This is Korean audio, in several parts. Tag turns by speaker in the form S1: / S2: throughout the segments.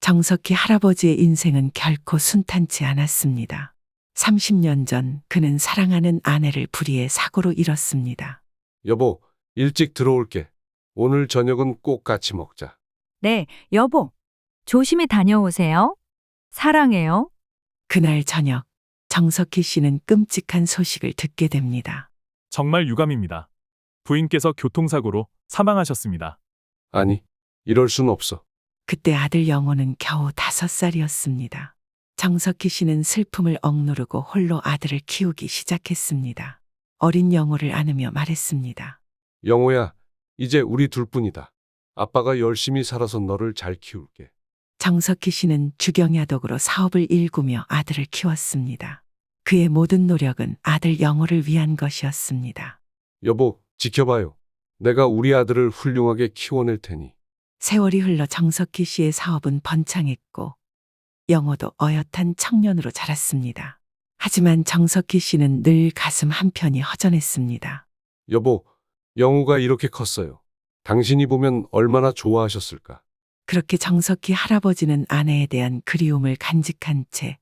S1: 정석희 할아버지의 인생은 결코 순탄치 않았습니다. 30년 전 그는 사랑하는 아내를 불의의 사고로 잃었습니다.
S2: 여보, 일찍 들어올게. 오늘 저녁은 꼭 같이 먹자.
S3: 네, 여보. 조심히 다녀오세요. 사랑해요.
S1: 그날 저녁 정석희 씨는 끔찍한 소식을 듣게 됩니다.
S4: 정말 유감입니다. 부인께서 교통사고로 사망하셨습니다.
S2: 아니, 이럴 순 없어.
S1: 그때 아들 영호는 겨우 5살이었습니다. 정석희 씨는 슬픔을 억누르고 홀로 아들을 키우기 시작했습니다. 어린 영호를 안으며 말했습니다.
S2: 영호야, 이제 우리 둘뿐이다. 아빠가 열심히 살아서 너를 잘 키울게.
S1: 정석희 씨는 주경야독으로 사업을 일구며 아들을 키웠습니다. 그의 모든 노력은 아들 영호를 위한 것이었습니다.
S2: 여보, 지켜봐요. 내가 우리 아들을 훌륭하게 키워낼 테니.
S1: 세월이 흘러 정석희 씨의 사업은 번창했고 영호도 어엿한 청년으로 자랐습니다. 하지만 정석희 씨는 늘 가슴 한편이 허전했습니다.
S2: 여보, 영호가 이렇게 컸어요. 당신이 보면 얼마나 좋아하셨을까.
S1: 그렇게 정석희 할아버지는 아내에 대한 그리움을 간직한 채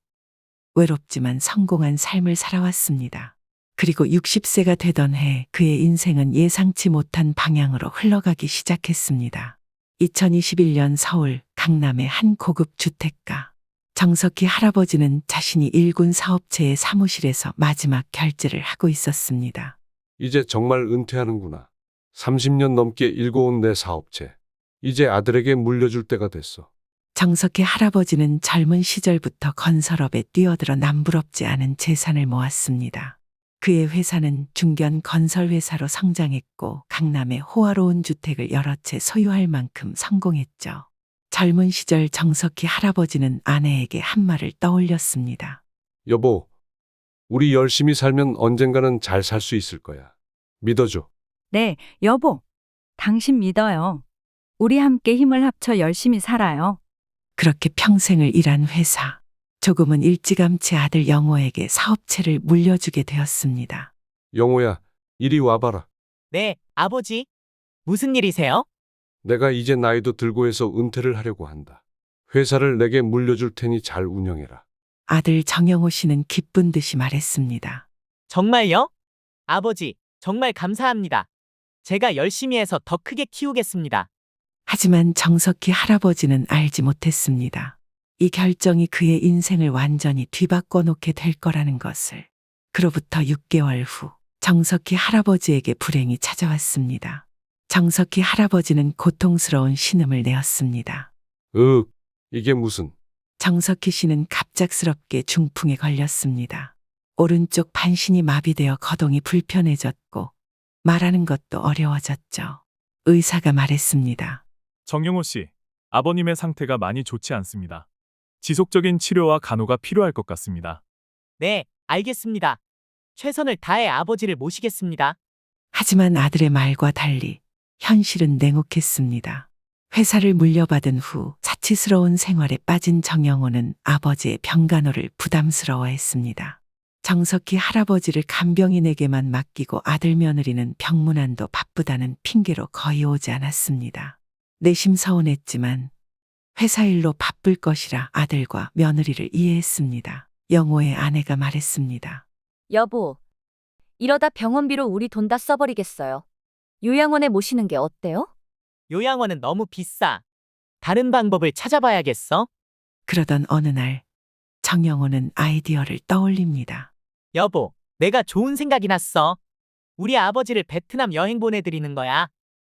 S1: 외롭지만 성공한 삶을 살아왔습니다. 그리고 60세가 되던 해 그의 인생은 예상치 못한 방향으로 흘러가기 시작했습니다. 2021년 서울 강남의 한 고급 주택가. 정석희 할아버지는 자신이 일군 사업체의 사무실에서 마지막 결제를 하고 있었습니다.
S2: 이제 정말 은퇴하는구나. 30년 넘게 일궈온 내 사업체. 이제 아들에게 물려줄 때가 됐어.
S1: 정석희 할아버지는 젊은 시절부터 건설업에 뛰어들어 남부럽지 않은 재산을 모았습니다. 그의 회사는 중견 건설회사로 성장했고 강남에 호화로운 주택을 여러 채 소유할 만큼 성공했죠. 젊은 시절 정석희 할아버지는 아내에게 한 말을 떠올렸습니다.
S2: 여보, 우리 열심히 살면 언젠가는 잘 살 수 있을 거야. 믿어줘.
S3: 네, 여보. 당신 믿어요. 우리 함께 힘을 합쳐 열심히 살아요.
S1: 그렇게 평생을 일한 회사. 조금은 일찌감치 아들 영호에게 사업체를 물려주게 되었습니다.
S2: 영호야, 이리 와봐라.
S5: 네, 아버지. 무슨 일이세요?
S2: 내가 이제 나이도 들고 해서 은퇴를 하려고 한다. 회사를 내게 물려줄 테니 잘 운영해라.
S1: 아들 정영호 씨는 기쁜 듯이 말했습니다.
S5: 정말요? 아버지, 정말 감사합니다. 제가 열심히 해서 더 크게 키우겠습니다.
S1: 하지만 정석희 할아버지는 알지 못했습니다. 이 결정이 그의 인생을 완전히 뒤바꿔 놓게 될 거라는 것을. 그로부터 6개월 후 정석희 할아버지에게 불행이 찾아왔습니다. 정석희 할아버지는 고통스러운 신음을 내었습니다.
S2: 이게 무슨.
S1: 정석희 씨는 갑작스럽게 중풍에 걸렸습니다. 오른쪽 반신이 마비되어 거동이 불편해졌고 말하는 것도 어려워졌죠. 의사가 말했습니다.
S4: 정영호 씨, 아버님의 상태가 많이 좋지 않습니다. 지속적인 치료와 간호가 필요할 것 같습니다.
S5: 네, 알겠습니다. 최선을 다해 아버지를 모시겠습니다.
S1: 하지만 아들의 말과 달리 현실은 냉혹했습니다. 회사를 물려받은 후 사치스러운 생활에 빠진 정영호는 아버지의 병간호를 부담스러워했습니다. 정석희 할아버지를 간병인에게만 맡기고 아들 며느리는 병문안도 바쁘다는 핑계로 거의 오지 않았습니다. 내심 서운했지만 회사 일로 바쁠 것이라 아들과 며느리를 이해했습니다. 영호의 아내가 말했습니다.
S6: 여보, 이러다 병원비로 우리 돈 다 써버리겠어요. 요양원에 모시는 게 어때요?
S5: 요양원은 너무 비싸. 다른 방법을 찾아봐야겠어.
S1: 그러던 어느 날 정영호는 아이디어를 떠올립니다.
S5: 여보, 내가 좋은 생각이 났어. 우리 아버지를 베트남 여행 보내드리는 거야.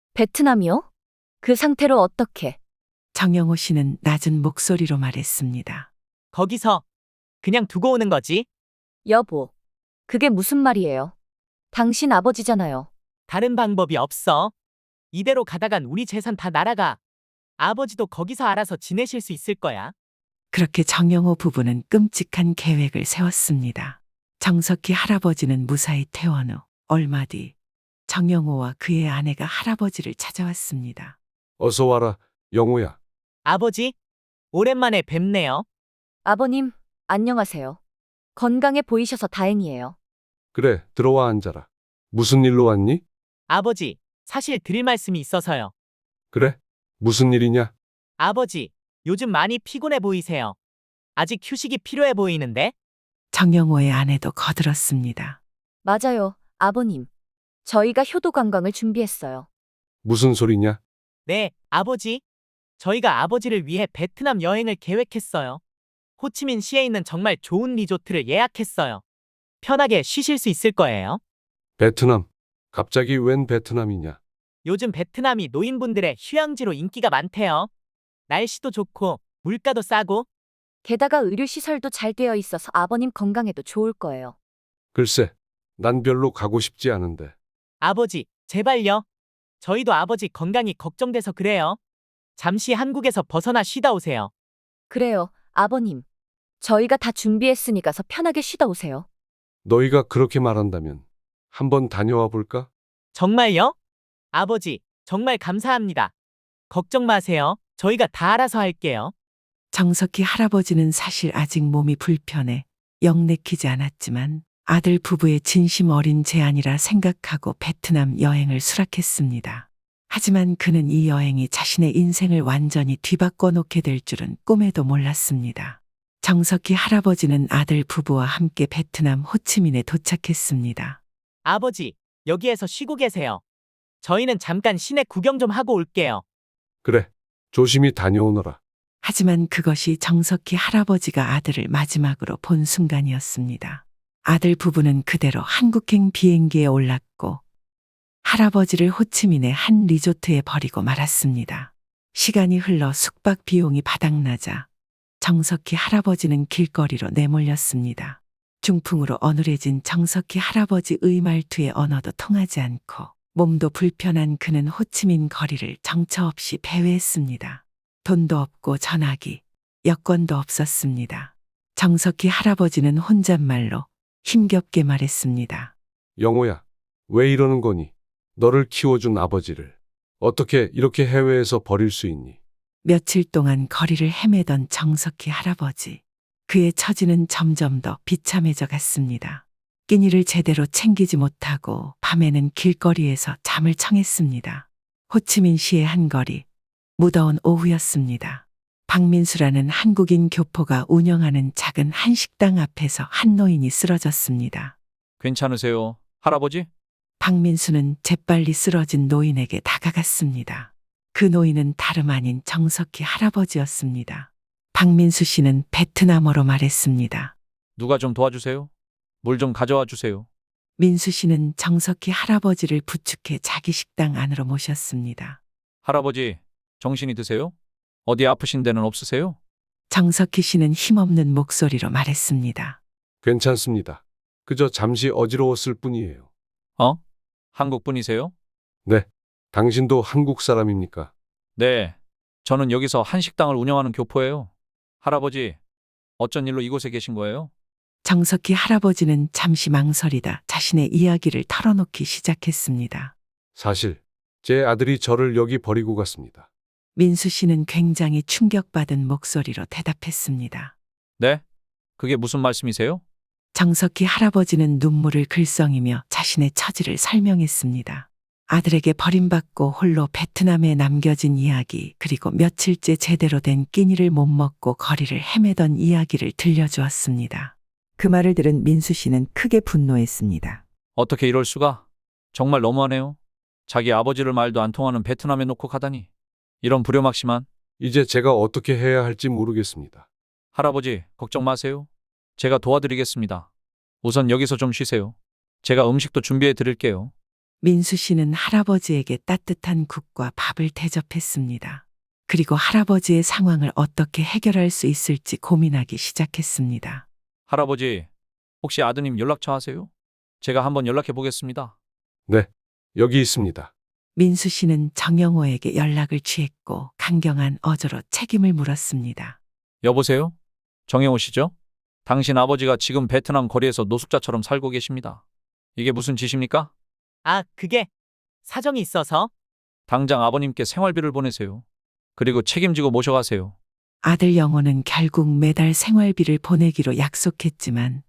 S6: 베트남이요? 그 상태로 어떻게?
S1: 정영호 씨는 낮은 목소리로 말했습니다.
S5: 거기서 그냥 두고 오는 거지.
S6: 여보, 그게 무슨 말이에요? 당신 아버지잖아요.
S5: 다른 방법이 없어. 이대로 가다간 우리 재산 다 날아가. 아버지도 거기서 알아서 지내실 수 있을 거야.
S1: 그렇게 정영호 부부는 끔찍한 계획을 세웠습니다. 정석희 할아버지는 무사히 퇴원 후 얼마 뒤 정영호와 그의 아내가 할아버지를 찾아왔습니다.
S2: 어서 와라, 영호야.
S5: 아버지, 오랜만에 뵙네요.
S6: 아버님, 안녕하세요. 건강해 보이셔서 다행이에요.
S2: 그래, 들어와 앉아라. 무슨 일로 왔니?
S5: 아버지, 사실 드릴 말씀이 있어서요.
S2: 그래? 무슨 일이냐?
S5: 아버지, 요즘 많이 피곤해 보이세요. 아직 휴식이 필요해 보이는데?
S1: 정영호의 아내도 거들었습니다.
S6: 맞아요, 아버님. 저희가 효도 관광을 준비했어요.
S2: 무슨 소리냐?
S5: 네, 아버지. 저희가 아버지를 위해 베트남 여행을 계획했어요. 호치민시에 있는 정말 좋은 리조트를 예약했어요. 편하게 쉬실 수 있을 거예요.
S2: 베트남. 갑자기 웬 베트남이냐?
S5: 요즘 베트남이 노인분들의 휴양지로 인기가 많대요. 날씨도 좋고 물가도 싸고.
S6: 게다가 의료시설도 잘 되어 있어서 아버님 건강에도 좋을 거예요.
S2: 글쎄, 난 별로 가고 싶지 않은데.
S5: 아버지, 제발요. 저희도 아버지 건강이 걱정돼서 그래요. 잠시 한국에서 벗어나 쉬다 오세요.
S6: 그래요, 아버님. 저희가 다 준비했으니까서 편하게 쉬다 오세요.
S2: 너희가 그렇게 말한다면 한번 다녀와 볼까?
S5: 정말요? 아버지, 정말 감사합니다. 걱정 마세요. 저희가 다 알아서 할게요.
S1: 정석희 할아버지는 사실 아직 몸이 불편해 영 내키지 않았지만 아들 부부의 진심 어린 제안이라 생각하고 베트남 여행을 수락했습니다. 하지만 그는 이 여행이 자신의 인생을 완전히 뒤바꿔 놓게 될 줄은 꿈에도 몰랐습니다. 정석희 할아버지는 아들 부부와 함께 베트남 호치민에 도착했습니다.
S5: 아버지, 여기에서 쉬고 계세요. 저희는 잠깐 시내 구경 좀 하고 올게요.
S2: 그래, 조심히 다녀오너라.
S1: 하지만 그것이 정석희 할아버지가 아들을 마지막으로 본 순간이었습니다. 아들 부부는 그대로 한국행 비행기에 올랐고 할아버지를 호치민의 한 리조트에 버리고 말았습니다. 시간이 흘러 숙박 비용이 바닥나자 정석희 할아버지는 길거리로 내몰렸습니다. 중풍으로 어눌해진 정석희 할아버지의 말투에 언어도 통하지 않고 몸도 불편한 그는 호치민 거리를 정처 없이 배회했습니다. 돈도 없고 전화기, 여권도 없었습니다. 정석희 할아버지는 혼잣말로 힘겹게 말했습니다.
S2: 영호야, 왜 이러는 거니? 너를 키워준 아버지를 어떻게 이렇게 해외에서 버릴 수 있니?
S1: 며칠 동안 거리를 헤매던 정석희 할아버지. 그의 처지는 점점 더 비참해져 갔습니다. 끼니를 제대로 챙기지 못하고 밤에는 길거리에서 잠을 청했습니다. 호치민시의 한 거리, 무더운 오후였습니다. 박민수라는 한국인 교포가 운영하는 작은 한식당 앞에서 한 노인이 쓰러졌습니다.
S7: 괜찮으세요, 할아버지?
S1: 박민수는 재빨리 쓰러진 노인에게 다가갔습니다. 그 노인은 다름 아닌 정석희 할아버지였습니다. 박민수 씨는 베트남어로 말했습니다.
S7: 누가 좀 도와주세요. 물 좀 가져와 주세요.
S1: 민수 씨는 정석희 할아버지를 부축해 자기 식당 안으로 모셨습니다.
S7: 할아버지, 정신이 드세요? 어디 아프신 데는 없으세요?
S1: 정석희 씨는 힘없는 목소리로 말했습니다.
S2: 괜찮습니다. 그저 잠시 어지러웠을 뿐이에요.
S7: 어? 한국 분이세요?
S2: 네, 당신도 한국 사람입니까?
S7: 네. 저는 여기서 한식당을 운영하는 교포예요. 할아버지, 어쩐 일로 이곳에 계신 거예요?
S1: 정석희 할아버지는 잠시 망설이다 자신의 이야기를 털어놓기 시작했습니다.
S2: 사실 제 아들이 저를 여기 버리고 갔습니다.
S1: 민수 씨는 굉장히 충격받은 목소리로 대답했습니다.
S7: 네? 그게 무슨 말씀이세요?
S1: 정석희 할아버지는 눈물을 글썽이며 자신의 처지를 설명했습니다. 아들에게 버림받고 홀로 베트남에 남겨진 이야기, 그리고 며칠째 제대로 된 끼니를 못 먹고 거리를 헤매던 이야기를 들려주었습니다. 그 말을 들은 민수 씨는 크게 분노했습니다.
S7: 어떻게 이럴 수가? 정말 너무하네요. 자기 아버지를 말도 안 통하는 베트남에 놓고 가다니. 이런 불효막심한.
S2: 이제 제가 어떻게 해야 할지 모르겠습니다.
S7: 할아버지, 걱정 마세요. 제가 도와드리겠습니다. 우선 여기서 좀 쉬세요. 제가 음식도 준비해 드릴게요.
S1: 민수 씨는 할아버지에게 따뜻한 국과 밥을 대접했습니다. 그리고 할아버지의 상황을 어떻게 해결할 수 있을지 고민하기 시작했습니다.
S7: 할아버지, 혹시 아드님 연락처 아세요? 제가 한번 연락해 보겠습니다.
S2: 네, 여기 있습니다.
S1: 민수 씨는 정영호에게 연락을 취했고 강경한 어조로 책임을 물었습니다.
S7: 여보세요? 정영호 씨죠? 당신 아버지가 지금 베트남 거리에서 노숙자처럼 살고 계십니다. 이게 무슨 짓입니까?
S5: 아, 그게 사정이 있어서?
S7: 당장 아버님께 생활비를 보내세요. 그리고 책임지고 모셔가세요.
S1: 아들 영호는 결국 매달 생활비를 보내기로 약속했지만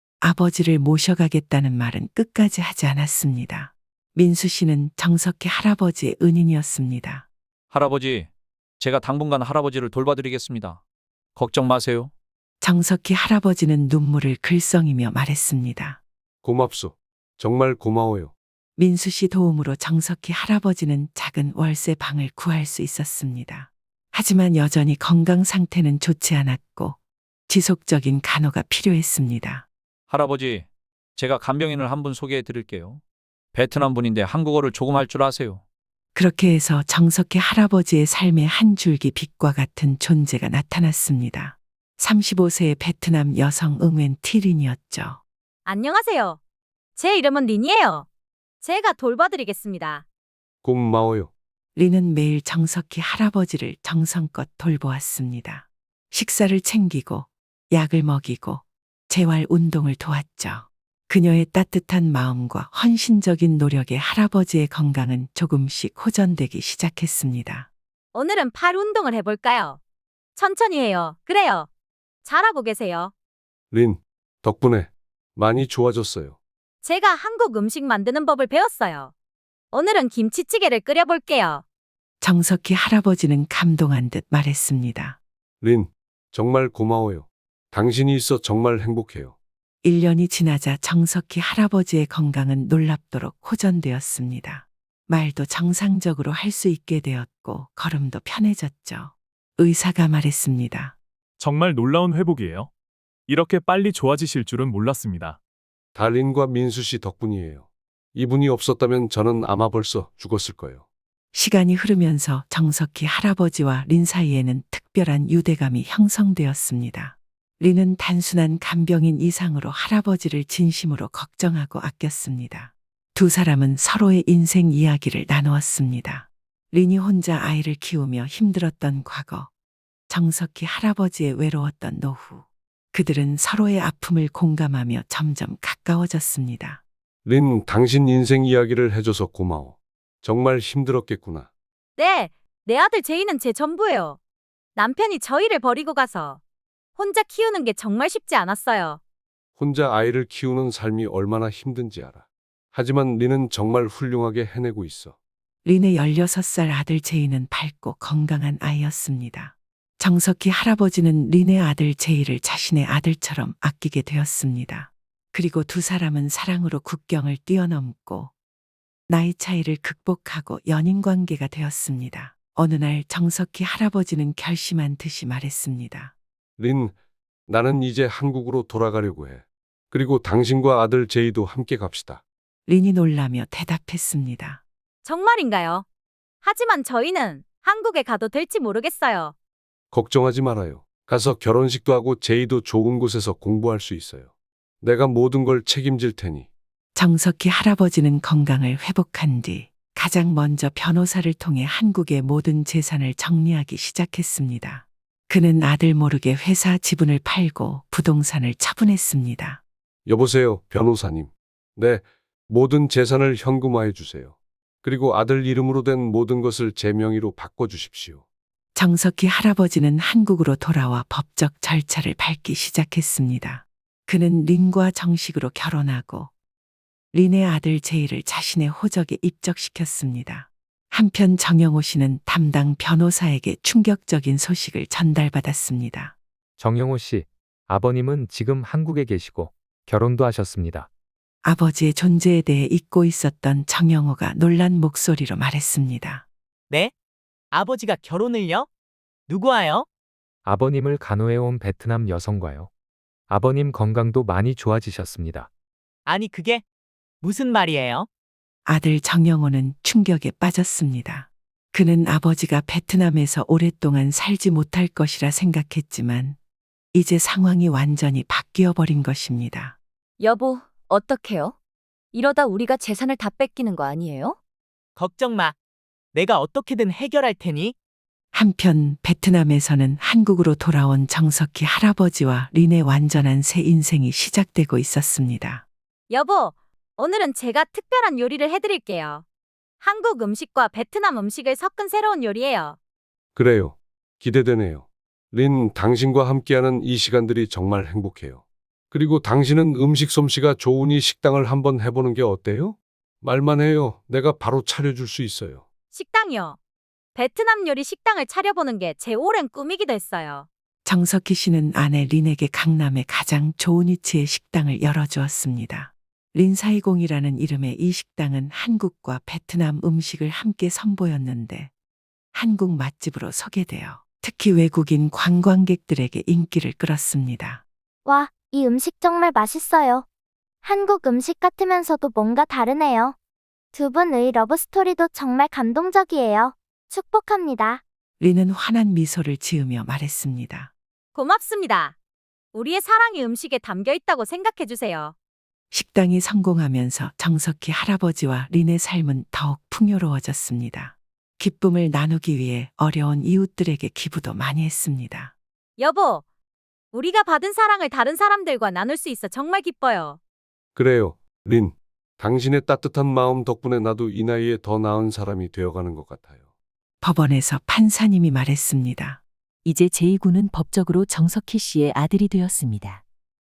S1: 아버지를 모셔가겠다는 말은 끝까지 하지 않았습니다. 민수 씨는 정석희 할아버지의 은인이었습니다.
S7: 할아버지, 제가 당분간 할아버지를 돌봐드리겠습니다. 걱정 마세요.
S1: 정석희 할아버지는 눈물을 글썽이며 말했습니다.
S2: 고맙소. 정말 고마워요.
S1: 민수 씨 도움으로 정석희 할아버지는 작은 월세 방을 구할 수 있었습니다. 하지만 여전히 건강 상태는 좋지 않았고 지속적인 간호가 필요했습니다.
S7: 할아버지, 제가 간병인을 한 분 소개해 드릴게요. 베트남 분인데 한국어를 조금 할 줄 아세요.
S1: 그렇게 해서 정석희 할아버지의 삶에 한 줄기 빛과 같은 존재가 나타났습니다. 35세의 베트남 여성 응웬 티린이었죠.
S6: 안녕하세요. 제 이름은 린이에요. 제가 돌봐드리겠습니다.
S2: 고마워요.
S1: 리는 매일 정석희 할아버지를 정성껏 돌보았습니다. 식사를 챙기고 약을 먹이고 재활 운동을 도왔죠. 그녀의 따뜻한 마음과 헌신적인 노력에 할아버지의 건강은 조금씩 호전되기 시작했습니다.
S6: 오늘은 팔 운동을 해볼까요? 천천히 해요. 그래요. 잘하고 계세요.
S2: 린, 덕분에 많이 좋아졌어요.
S6: 제가 한국 음식 만드는 법을 배웠어요. 오늘은 김치찌개를 끓여볼게요.
S1: 정석희 할아버지는 감동한 듯 말했습니다.
S2: 린, 정말 고마워요. 당신이 있어 정말 행복해요.
S1: 1년이 지나자 정석희 할아버지의 건강은 놀랍도록 호전되었습니다. 말도 정상적으로 할 수 있게 되었고 걸음도 편해졌죠. 의사가 말했습니다.
S4: 정말 놀라운 회복이에요. 이렇게 빨리 좋아지실 줄은 몰랐습니다.
S2: 다 린과 민수 씨 덕분이에요. 이분이 없었다면 저는 아마 벌써 죽었을 거예요.
S1: 시간이 흐르면서 정석희 할아버지와 린 사이에는 특별한 유대감이 형성되었습니다. 린은 단순한 간병인 이상으로 할아버지를 진심으로 걱정하고 아꼈습니다. 두 사람은 서로의 인생 이야기를 나누었습니다. 린이 혼자 아이를 키우며 힘들었던 과거, 정석희 할아버지의 외로웠던 노후. 그들은 서로의 아픔을 공감하며 점점 가까워졌습니다.
S2: 린, 당신 인생 이야기를 해줘서 고마워. 정말 힘들었겠구나.
S6: 네, 내 아들 제이는 제 전부예요. 남편이 저희를 버리고 가서 혼자 키우는 게 정말 쉽지 않았어요.
S2: 혼자 아이를 키우는 삶이 얼마나 힘든지 알아. 하지만 린은 정말 훌륭하게 해내고 있어.
S1: 린의 16살 아들 제이는 밝고 건강한 아이였습니다. 정석희 할아버지는 린의 아들 제이를 자신의 아들처럼 아끼게 되었습니다. 그리고 두 사람은 사랑으로 국경을 뛰어넘고 나이 차이를 극복하고 연인 관계가 되었습니다. 어느 날 정석희 할아버지는 결심한 듯이 말했습니다.
S2: 린, 나는 이제 한국으로 돌아가려고 해. 그리고 당신과 아들 제이도 함께 갑시다.
S1: 린이 놀라며 대답했습니다.
S6: 정말인가요? 하지만 저희는 한국에 가도 될지 모르겠어요.
S2: 걱정하지 말아요. 가서 결혼식도 하고 제이도 좋은 곳에서 공부할 수 있어요. 내가 모든 걸 책임질 테니.
S1: 정석희 할아버지는 건강을 회복한 뒤 가장 먼저 변호사를 통해 한국의 모든 재산을 정리하기 시작했습니다. 그는 아들 모르게 회사 지분을 팔고 부동산을 처분했습니다.
S2: 여보세요, 변호사님. 네, 모든 재산을 현금화해 주세요. 그리고 아들 이름으로 된 모든 것을 제 명의로 바꿔주십시오.
S1: 정석희 할아버지는 한국으로 돌아와 법적 절차를 밟기 시작했습니다. 그는 린과 정식으로 결혼하고 린의 아들 제이를 자신의 호적에 입적시켰습니다. 한편 정영호 씨는 담당 변호사에게 충격적인 소식을 전달받았습니다.
S8: 정영호 씨, 아버님은 지금 한국에 계시고 결혼도 하셨습니다.
S1: 아버지의 존재에 대해 잊고 있었던 정영호가 놀란 목소리로 말했습니다.
S5: 네? 아버지가 결혼을요? 누구와요?
S8: 아버님을 간호해온 베트남 여성과요. 아버님 건강도 많이 좋아지셨습니다.
S5: 아니 그게 무슨 말이에요?
S1: 아들 정영호는 충격에 빠졌습니다. 그는 아버지가 베트남에서 오랫동안 살지 못할 것이라 생각했지만 이제 상황이 완전히 바뀌어 버린 것입니다.
S6: 여보, 어떡해요? 이러다 우리가 재산을 다 뺏기는 거 아니에요?
S5: 걱정 마. 내가 어떻게든 해결할 테니.
S1: 한편 베트남에서는 한국으로 돌아온 정석희 할아버지와 린의 완전한 새 인생이 시작되고 있었습니다.
S6: 여보, 오늘은 제가 특별한 요리를 해드릴게요. 한국 음식과 베트남 음식을 섞은 새로운 요리예요.
S2: 그래요. 기대되네요. 린, 당신과 함께하는 이 시간들이 정말 행복해요. 그리고 당신은 음식 솜씨가 좋으니 식당을 한번 해보는 게 어때요? 말만 해요. 내가 바로 차려줄 수 있어요.
S6: 식당이요. 베트남 요리 식당을 차려보는 게 제 오랜 꿈이기도 했어요.
S1: 정석희 씨는 아내 린에게 강남의 가장 좋은 위치의 식당을 열어주었습니다. 린사이공이라는 이름의 이 식당은 한국과 베트남 음식을 함께 선보였는데 한국 맛집으로 소개되어 특히 외국인 관광객들에게 인기를 끌었습니다.
S9: 와, 이 음식 정말 맛있어요. 한국 음식 같으면서도 뭔가 다르네요. 두 분의 러브스토리도 정말 감동적이에요. 축복합니다.
S1: 린은 환한 미소를 지으며 말했습니다.
S6: 고맙습니다. 우리의 사랑이 음식에 담겨 있다고 생각해 주세요.
S1: 식당이 성공하면서 정석희 할아버지와 린의 삶은 더욱 풍요로워졌습니다. 기쁨을 나누기 위해 어려운 이웃들에게 기부도 많이 했습니다.
S6: 여보, 우리가 받은 사랑을 다른 사람들과 나눌 수 있어 정말 기뻐요.
S2: 그래요, 린. 당신의 따뜻한 마음 덕분에 나도 이 나이에 더 나은 사람이 되어가는 것 같아요.
S1: 법원에서 판사님이 말했습니다.
S10: 이제 제2구는 법적으로 정석희 씨의 아들이 되었습니다.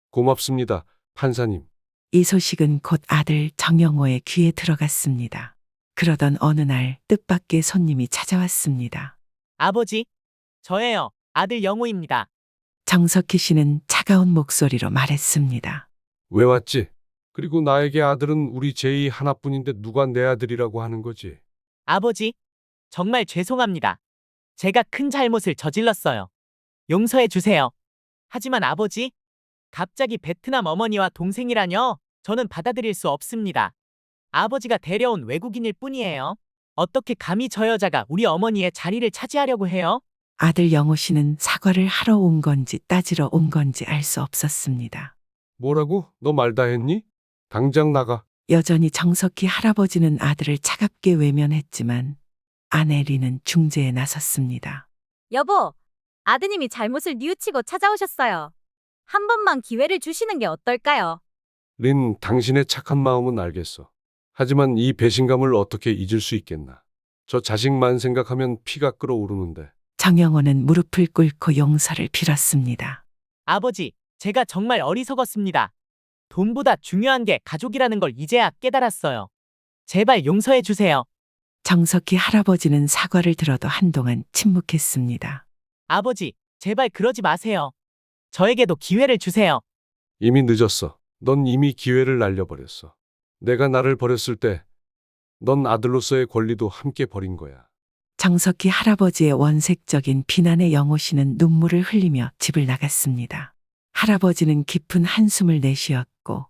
S2: 고맙습니다, 판사님.
S1: 이 소식은 곧 아들 정영호의 귀에 들어갔습니다. 그러던 어느 날 뜻밖의 손님이 찾아왔습니다.
S5: 아버지, 저예요. 아들 영호입니다.
S1: 정석희 씨는 차가운 목소리로 말했습니다.
S2: 왜 왔지? 그리고 나에게 아들은 우리 제이 하나뿐인데 누가 내 아들이라고 하는 거지?
S5: 아버지, 정말 죄송합니다. 제가 큰 잘못을 저질렀어요. 용서해 주세요. 하지만 아버지, 갑자기 베트남 어머니와 동생이라뇨? 저는 받아들일 수 없습니다. 아버지가 데려온 외국인일 뿐이에요. 어떻게 감히 저 여자가 우리 어머니의 자리를 차지하려고 해요?
S1: 아들 영호 씨는 사과를 하러 온 건지 따지러 온 건지 알 수 없었습니다.
S2: 뭐라고? 너 말 다 했니? 당장 나가.
S1: 여전히 정석희 할아버지는 아들을 차갑게 외면했지만 아내 린은 중재에 나섰습니다.
S6: 여보, 아드님이 잘못을 뉘우치고 찾아오셨어요. 한 번만 기회를 주시는 게 어떨까요?
S2: 린, 당신의 착한 마음은 알겠어. 하지만 이 배신감을 어떻게 잊을 수 있겠나. 저 자식만 생각하면 피가 끓어오르는데.
S1: 정영호는 무릎을 꿇고 용서를 빌었습니다.
S5: 아버지, 제가 정말 어리석었습니다. 돈보다 중요한 게 가족이라는 걸 이제야 깨달았어요. 제발 용서해 주세요.
S1: 정석희 할아버지는 사과를 들어도 한동안 침묵했습니다.
S5: 아버지, 제발 그러지 마세요. 저에게도 기회를 주세요.
S2: 이미 늦었어. 넌 이미 기회를 날려버렸어. 내가 나를 버렸을 때 넌 아들로서의 권리도 함께 버린 거야.
S1: 정석희 할아버지의 원색적인 비난에 영호 씨는 눈물을 흘리며 집을 나갔습니다. 할아버지는 깊은 한숨을 내쉬었고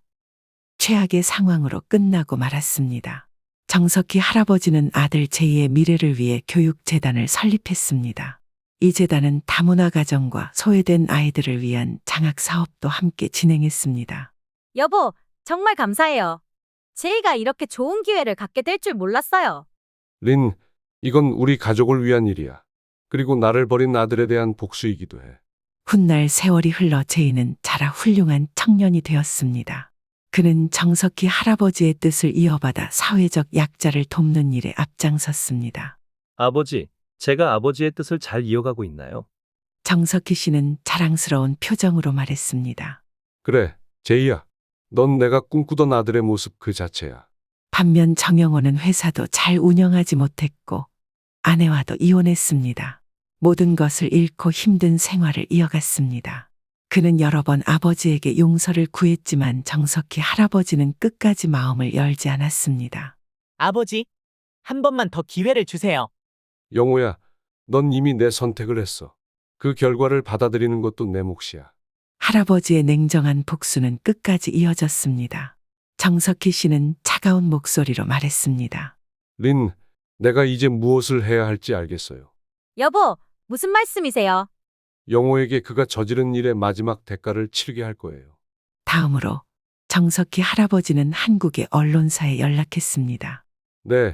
S1: 최악의 상황으로 끝나고 말았습니다. 정석희 할아버지는 아들 제이의 미래를 위해 교육재단을 설립했습니다. 이 재단은 다문화 가정과 소외된 아이들을 위한 장학 사업도 함께 진행했습니다.
S6: 여보, 정말 감사해요. 제이가 이렇게 좋은 기회를 갖게 될 줄 몰랐어요.
S2: 린, 이건 우리 가족을 위한 일이야. 그리고 나를 버린 아들에 대한 복수이기도 해.
S1: 훗날 세월이 흘러 제이는 자라 훌륭한 청년이 되었습니다. 그는 정석희 할아버지의 뜻을 이어받아 사회적 약자를 돕는 일에 앞장섰습니다.
S11: 아버지, 제가 아버지의 뜻을 잘 이어가고 있나요?
S1: 정석희 씨는 자랑스러운 표정으로 말했습니다.
S2: 그래, 제이야. 넌 내가 꿈꾸던 아들의 모습 그 자체야.
S1: 반면 정영호는 회사도 잘 운영하지 못했고 아내와도 이혼했습니다. 모든 것을 잃고 힘든 생활을 이어갔습니다. 그는 여러 번 아버지에게 용서를 구했지만 정석희 할아버지는 끝까지 마음을 열지 않았습니다.
S5: 아버지, 한 번만 더 기회를 주세요.
S2: 영호야, 넌 이미 내 선택을 했어. 그 결과를 받아들이는 것도 내 몫이야.
S1: 할아버지의 냉정한 복수는 끝까지 이어졌습니다. 정석희 씨는 차가운 목소리로 말했습니다.
S2: 린, 내가 이제 무엇을 해야 할지 알겠어요.
S6: 여보, 무슨 말씀이세요?
S2: 영호에게 그가 저지른 일의 마지막 대가를 치르게 할 거예요.
S1: 다음으로 정석희 할아버지는 한국의 언론사에 연락했습니다.
S2: 네,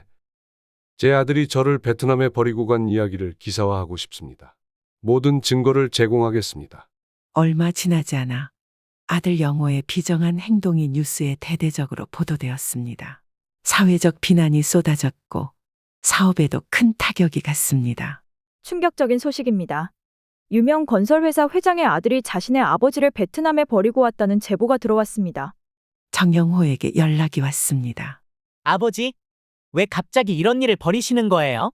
S2: 제 아들이 저를 베트남에 버리고 간 이야기를 기사화하고 싶습니다. 모든 증거를 제공하겠습니다.
S1: 얼마 지나지 않아 아들 영호의 비정한 행동이 뉴스에 대대적으로 보도되었습니다. 사회적 비난이 쏟아졌고 사업에도 큰 타격이 갔습니다.
S12: 충격적인 소식입니다. 유명 건설회사 회장의 아들이 자신의 아버지를 베트남에 버리고 왔다는 제보가 들어왔습니다.
S1: 정영호에게 연락이 왔습니다.
S5: 아버지, 왜 갑자기 이런 일을 벌이시는 거예요?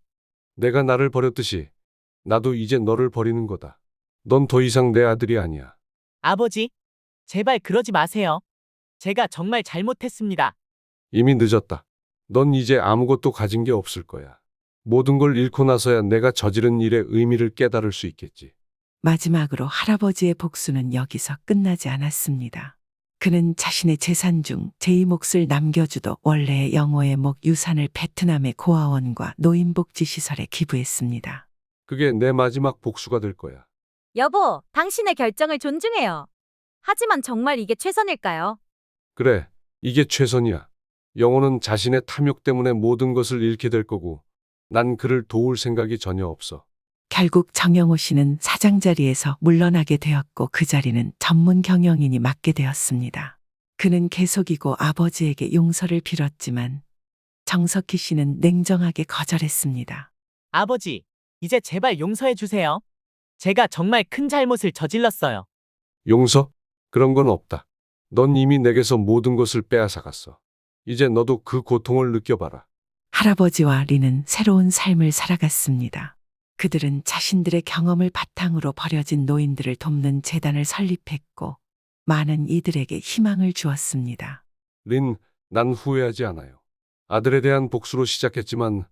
S2: 내가 나를 버렸듯이 나도 이제 너를 버리는 거다. 넌 더 이상 내 아들이 아니야.
S5: 아버지, 제발 그러지 마세요. 제가 정말 잘못했습니다.
S2: 이미 늦었다. 넌 이제 아무것도 가진 게 없을 거야. 모든 걸 잃고 나서야 내가 저지른 일의 의미를 깨달을 수 있겠지.
S1: 마지막으로 할아버지의 복수는 여기서 끝나지 않았습니다. 그는 자신의 재산 중 제2 몫을 남겨주도 원래의 영호의 목 유산을 베트남의 고아원과 노인복지시설에 기부했습니다.
S2: 그게 내 마지막 복수가 될 거야.
S6: 여보, 당신의 결정을 존중해요. 하지만 정말 이게 최선일까요?
S2: 그래, 이게 최선이야. 영호는 자신의 탐욕 때문에 모든 것을 잃게 될 거고, 난 그를 도울 생각이 전혀 없어.
S1: 결국 정영호 씨는 사장 자리에서 물러나게 되었고 그 자리는 전문 경영인이 맡게 되었습니다. 그는 계속이고 아버지에게 용서를 빌었지만 정석희 씨는 냉정하게 거절했습니다.
S5: 아버지, 이제 제발 용서해 주세요. 제가 정말 큰 잘못을 저질렀어요.
S2: 용서? 그런 건 없다. 넌 이미 내게서 모든 것을 빼앗아갔어. 이제 너도 그 고통을 느껴봐라.
S1: 할아버지와 리는 새로운 삶을 살아갔습니다. 그들은 자신들의 경험을 바탕으로 버려진 노인들을 돕는 재단을 설립했고 많은 이들에게 희망을 주었습니다.
S2: 린, 난 후회하지 않아요. 아들에 대한 복수로 시작했지만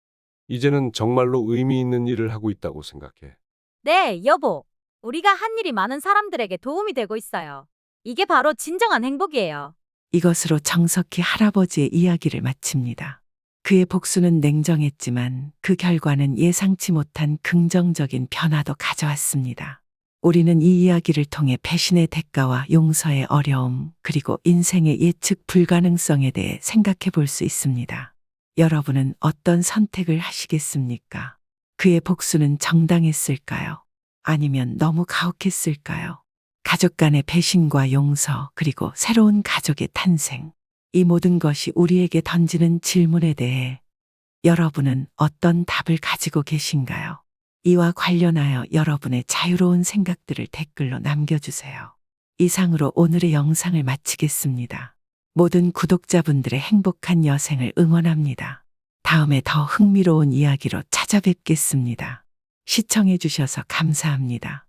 S2: 이제는 정말로 의미 있는 일을 하고 있다고 생각해.
S6: 네, 여보. 우리가 한 일이 많은 사람들에게 도움이 되고 있어요. 이게 바로 진정한 행복이에요.
S1: 이것으로 정석희 할아버지의 이야기를 마칩니다. 그의 복수는 냉정했지만 그 결과는 예상치 못한 긍정적인 변화도 가져왔습니다. 우리는 이 이야기를 통해 배신의 대가와 용서의 어려움, 그리고 인생의 예측 불가능성에 대해 생각해 볼 수 있습니다. 여러분은 어떤 선택을 하시겠습니까? 그의 복수는 정당했을까요? 아니면 너무 가혹했을까요? 가족 간의 배신과 용서, 그리고 새로운 가족의 탄생. 이 모든 것이 우리에게 던지는 질문에 대해 여러분은 어떤 답을 가지고 계신가요? 이와 관련하여 여러분의 자유로운 생각들을 댓글로 남겨주세요. 이상으로 오늘의 영상을 마치겠습니다. 모든 구독자분들의 행복한 여생을 응원합니다. 다음에 더 흥미로운 이야기로 찾아뵙겠습니다. 시청해주셔서 감사합니다.